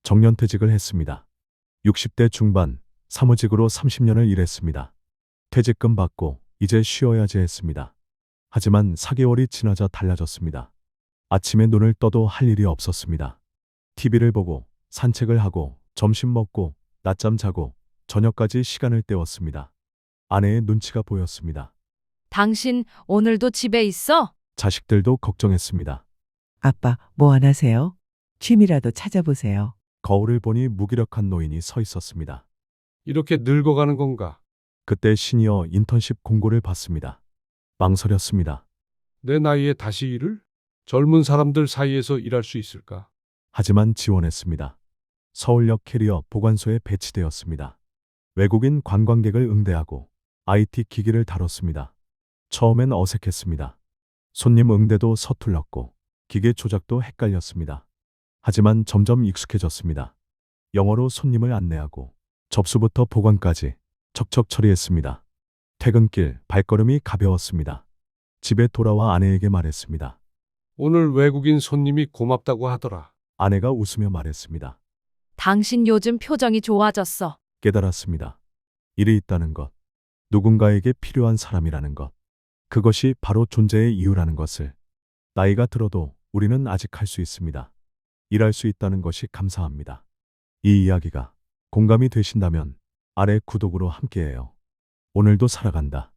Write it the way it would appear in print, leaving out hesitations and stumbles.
정년퇴직을 했습니다. 60대 중반, 사무직으로 30년을 일했습니다. 퇴직금 받고 이제 쉬어야지 했습니다. 하지만 4개월이 지나자 달라졌습니다. 아침에 눈을 떠도 할 일이 없었습니다. TV를 보고 산책을 하고 점심 먹고 낮잠 자고 저녁까지 시간을 때웠습니다. 아내의 눈치가 보였습니다. 당신 오늘도 집에 있어? 자식들도 걱정했습니다. 아빠, 뭐 안 하세요? 취미라도 찾아보세요. 거울을 보니 무기력한 노인이 서 있었습니다. 이렇게 늙어가는 건가? 그때 시니어 인턴십 공고를 봤습니다. 망설였습니다. 내 나이에 다시 일을? 젊은 사람들 사이에서 일할 수 있을까? 하지만 지원했습니다. 서울역 캐리어 보관소에 배치되었습니다. 외국인 관광객을 응대하고 IT 기기를 다뤘습니다. 처음엔 어색했습니다. 손님 응대도 서툴렀고 기계 조작도 헷갈렸습니다. 하지만 점점 익숙해졌습니다. 영어로 손님을 안내하고 접수부터 보관까지 척척 처리했습니다. 퇴근길 발걸음이 가벼웠습니다. 집에 돌아와 아내에게 말했습니다. 오늘 외국인 손님이 고맙다고 하더라. 아내가 웃으며 말했습니다. 당신 요즘 표정이 좋아졌어. 깨달았습니다. 일이 있다는 것, 누군가에게 필요한 사람이라는 것, 그것이 바로 존재의 이유라는 것을. 나이가 들어도 우리는 아직 할 수 있습니다. 일할 수 있다는 것이 감사합니다. 이 이야기가 공감이 되신다면 아래 구독으로 함께해요. 오늘도 살아간다.